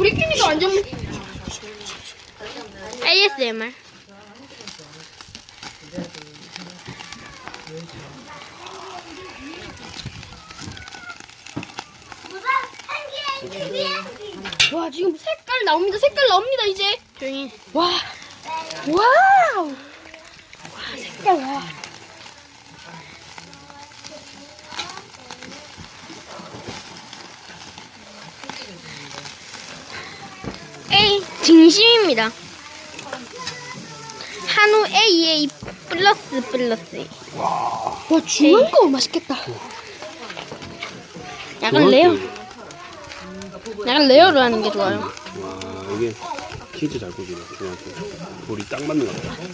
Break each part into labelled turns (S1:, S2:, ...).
S1: 우리끼리도 완전
S2: ASMR.
S1: 와 지금 색깔 나옵니다. 색깔 나옵니다 이제.
S2: 조용히.
S1: 와 와우. 와 색깔 와.
S2: A 진심입니다. 한우 AA 플러스.
S1: 와 중한 거 맛있겠다.
S2: 약간 레어. 약간 레어로 하는 게 좋아요.
S3: 와 이게 진짜 잘 구기네. 그냥 돌이 딱 맞는 것 같아.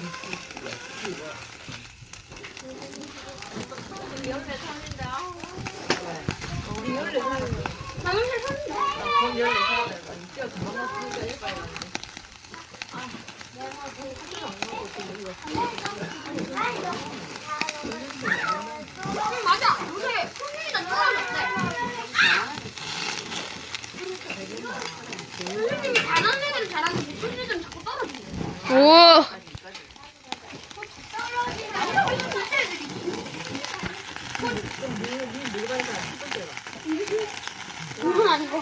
S1: 맞아. 요새 손님이다 떨어졌대. 손님이 잘하는 애들은 잘하는데 손님 애들은 자꾸 떨어지네.
S2: 오.
S1: 이건 아니고.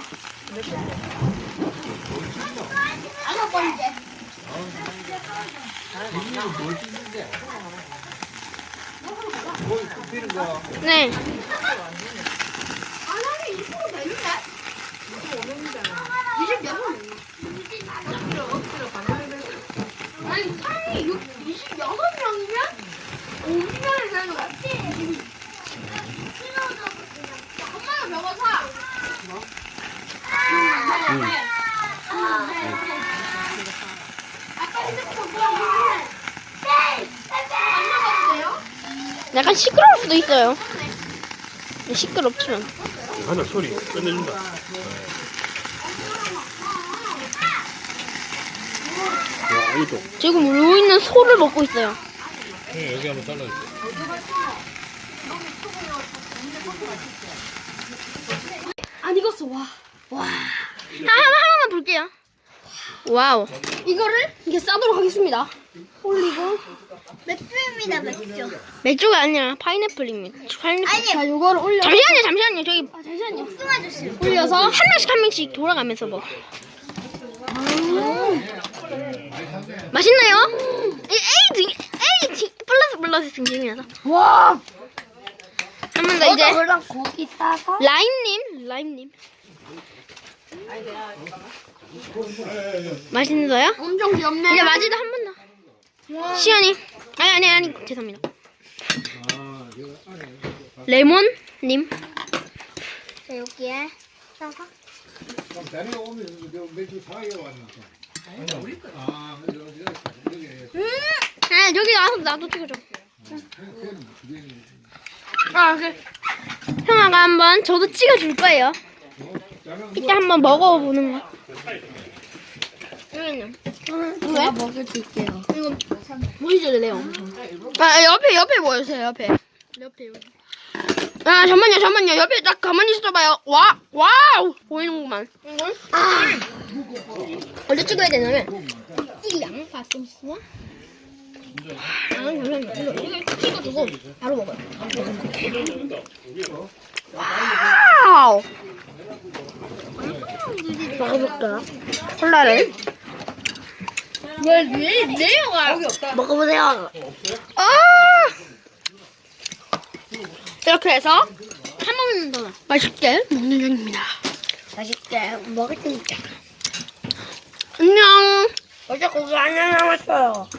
S1: 다섯 번째.
S2: 네.
S1: 아, 나는 20% 되는데? 26명. 아니, 사람이 26명이면 50명을 되는 거야. 엄마가 저거 사. 아까 핸드폰 보여주는데. 안 나가도 돼요?
S2: 약간 시끄러울 수도 있어요. 시끄럽지만.
S3: 하나 소리 끝내준다. 와 이거
S2: 지금 울고 있는 소를 먹고 있어요.
S3: 네, 여기 한번 잘라주세요.
S1: 안 익었어, 와.
S2: 하나만 볼게요. 와우.
S1: 이거를 이렇게 싸도록 하겠습니다. 올리고.
S4: 맥주입니다, 맥주.
S2: 맥주가 아니라 파인애플입니다. 파인애플.
S1: 자, 요거를 올려.
S2: 잠시만요. 저기
S1: 잠시만요.
S4: 복숭아 주스.
S1: 올려서.
S2: 한 명씩 돌아가면서 먹어. 맛있나요? A 플러스 등심이라서.
S1: 와.
S2: 한 번 더 이제
S4: 그럼 고기 싸서.
S2: 라임님. 맛있어요?
S1: 엄청 귀엽네.
S2: 이제 마지도 한 번 더. 시연이. 아니 죄송합니다. 레몬님.
S4: 자, 여기에 싸서.
S2: 아 여기 와서 나도 찍어줘. 그래. 형아가 한번 저도 찍어줄 거예요. 이따 한번 먹어보는 거. 여기는.
S4: 제가 먹여줄게요.
S2: 이거 보이죠, 레오? 아 옆에 보여주세요. 옆에 여기. 아 잠만요. 옆에 딱 가만히 있어봐요. 와우 보이는구만. 언제 찍어야 되냐면 이 양파 소스와 잠시만요. 이거 찍어주고 바로 먹어요. 와우. 먹어볼까요? 콜라를.
S1: 왜 내려가?
S2: 먹어보세요. 이렇게 해서 한 번만 더 맛있게 먹는 중입니다.
S4: 맛있게 먹을 테니까.
S2: 안녕.
S4: 어제 고기 하나 남았어요.